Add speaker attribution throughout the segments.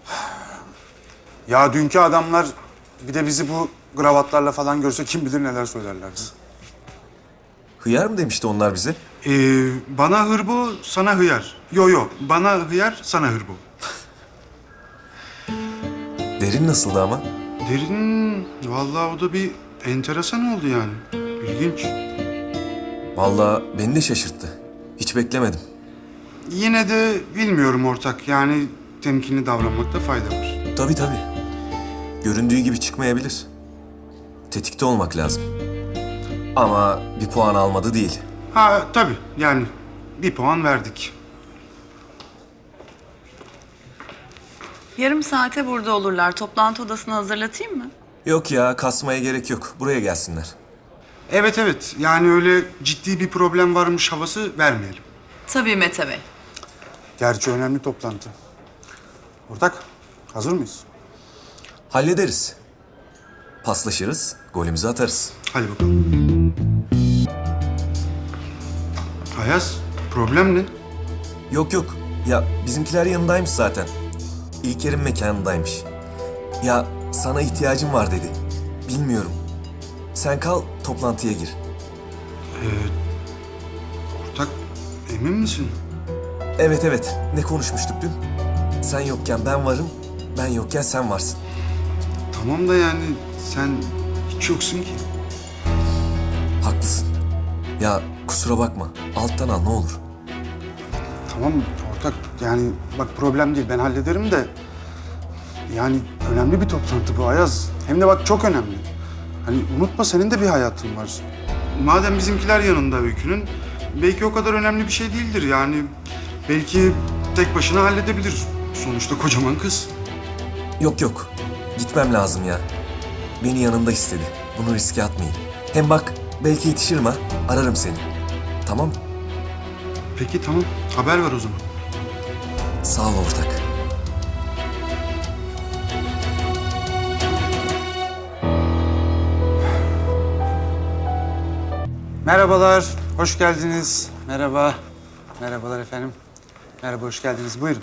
Speaker 1: Ya dünkü adamlar bir de bizi bu kravatlarla falan görse kim bilir neler söylerlerdi.
Speaker 2: Hıyar mı demişti onlar bize?
Speaker 1: Bana hırbo, sana hıyar. Yo, bana hıyar, sana hırbo.
Speaker 2: Derin nasıldı ama?
Speaker 1: Derin, vallahi o da bir enteresan oldu yani. İlginç.
Speaker 2: Vallahi beni de şaşırttı. Hiç beklemedim.
Speaker 1: Yine de bilmiyorum ortak, yani temkinli davranmakta fayda var.
Speaker 2: Tabii tabii. Göründüğü gibi çıkmayabilir. Tetikte olmak lazım. Ama bir puan almadı değil.
Speaker 1: Ha tabii, yani bir puan verdik.
Speaker 3: Yarım saate burada olurlar. Toplantı odasını hazırlatayım mı?
Speaker 2: Yok ya, kasmaya gerek yok. Buraya gelsinler.
Speaker 1: Evet, yani öyle ciddi bir problem varmış havası vermeyelim.
Speaker 3: Tabii Mete Bey.
Speaker 1: Gerçi önemli toplantı. Ortak, hazır mıyız?
Speaker 2: Hallederiz. Paslaşırız, golümüzü atarız.
Speaker 1: Hadi bakalım. Ayaz, problem ne?
Speaker 2: Yok yok. Ya bizimkiler yanındaymış zaten. İlker'in mekanındaymış. Ya sana ihtiyacım var dedi. Bilmiyorum. Sen kal, toplantıya gir.
Speaker 1: Ortak, emin misin?
Speaker 2: Evet. Ne konuşmuştuk dün? Sen yokken ben varım, ben yokken sen varsın.
Speaker 1: Tamam da yani sen hiç yoksun ki.
Speaker 2: Haklısın. Ya kusura bakma. Alttan al ne olur.
Speaker 1: Tamam ortak, yani bak problem değil, ben hallederim de... Yani önemli bir toplantı bu Ayaz. Hem de bak çok önemli. Hani unutma, senin de bir hayatın var. Madem bizimkiler yanında Öykü'nün, belki o kadar önemli bir şey değildir yani. Belki tek başına halledebilir. Sonuçta kocaman kız.
Speaker 2: Yok. Gitmem lazım ya. Beni yanında istedi. Bunu riske atmayayım. Hem bak belki yetişirim ha. Ararım seni. Tamam mı?
Speaker 1: Peki tamam, haber ver o zaman.
Speaker 2: Sağ ol ortak.
Speaker 1: Merhabalar, hoş geldiniz. Merhaba. Merhabalar efendim. Merhaba, hoş geldiniz. Buyurun.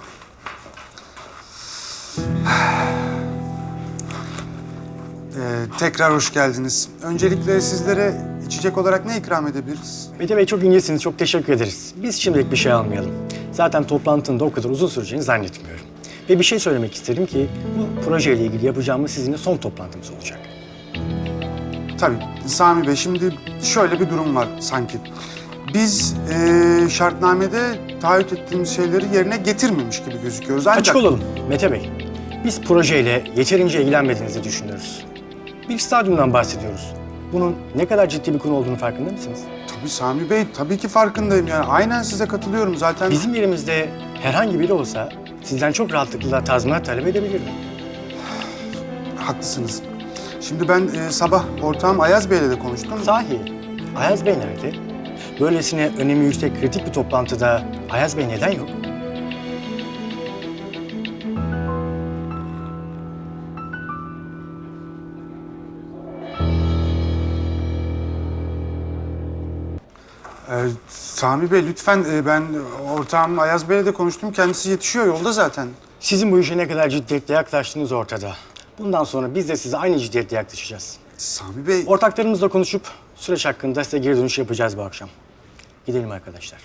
Speaker 1: Tekrar hoş geldiniz. Öncelikle sizlere içecek olarak ne ikram edebiliriz?
Speaker 4: Mete Bey çok incesiniz, çok teşekkür ederiz. Biz şimdilik bir şey almayalım. Zaten toplantının da o kadar uzun süreceğini zannetmiyorum. Ve bir şey söylemek isterim ki bu projeyle ilgili yapacağımız sizinle son toplantımız olacak.
Speaker 1: Tabii Sami Bey, şimdi şöyle bir durum var sanki. Biz şartnamede taahhüt ettiğimiz şeyleri yerine getirmemiş gibi gözüküyoruz. Ancak...
Speaker 4: Açık olalım Mete Bey. Biz projeyle yeterince ilgilenmediğinizi düşünüyoruz. Bir stadyumdan bahsediyoruz. Bunun ne kadar ciddi bir konu olduğunu farkında mısınız?
Speaker 1: Tabii Sami Bey, tabii ki farkındayım yani. Aynen size katılıyorum zaten.
Speaker 4: Bizim yerimizde herhangi biri olsa sizden çok rahatlıkla tazminat talep edebilirdi.
Speaker 1: Haklısınız. Şimdi ben sabah ortağım Ayaz Bey'le de konuştum.
Speaker 4: Sahi, Ayaz Bey nerede? Böylesine önemi yüksek kritik bir toplantıda Ayaz Bey neden yok?
Speaker 1: Sami Bey lütfen, ben ortağım Ayaz Bey'le de konuştum. Kendisi yetişiyor, yolda zaten.
Speaker 4: Sizin bu işe ne kadar ciddiyetle yaklaştığınız ortada. Bundan sonra biz de size aynı ciddiyetle yaklaşacağız.
Speaker 1: Sami Bey...
Speaker 4: Ortaklarımızla konuşup süreç hakkında size geri dönüş yapacağız bu akşam. Gidelim arkadaşlar.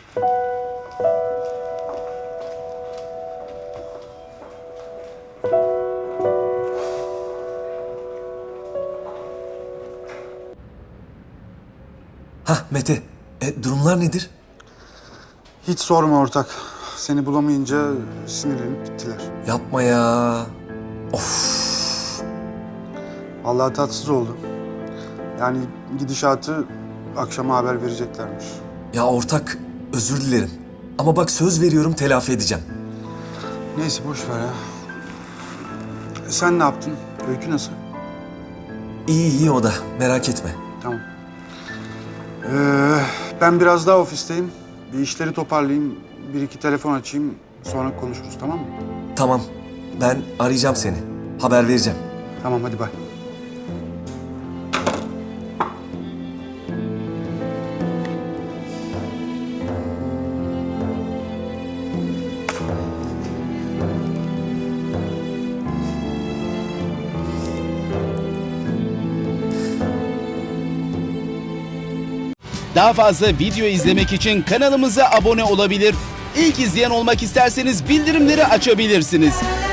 Speaker 2: Hah Mete, durumlar nedir?
Speaker 1: Hiç sorma ortak. Seni bulamayınca sinirlenip gittiler.
Speaker 2: Yapma ya. Of.
Speaker 1: Vallahi tatsız oldu. Yani gidişatı akşama haber vereceklermiş.
Speaker 2: Ya ortak, özür dilerim. Ama bak söz veriyorum telafi edeceğim.
Speaker 1: Neyse boş ver ya. Sen ne yaptın? Öykü nasıl?
Speaker 2: İyi o da, merak etme.
Speaker 1: Tamam. Ben biraz daha ofisteyim. Bir işleri toparlayayım. Bir iki telefon açayım. Sonra konuşuruz, tamam mı?
Speaker 2: Tamam, ben arayacağım seni. Haber vereceğim.
Speaker 1: Tamam, hadi bay.
Speaker 5: Daha fazla video izlemek için kanalımıza abone olabilir. İlk izleyen olmak isterseniz bildirimleri açabilirsiniz.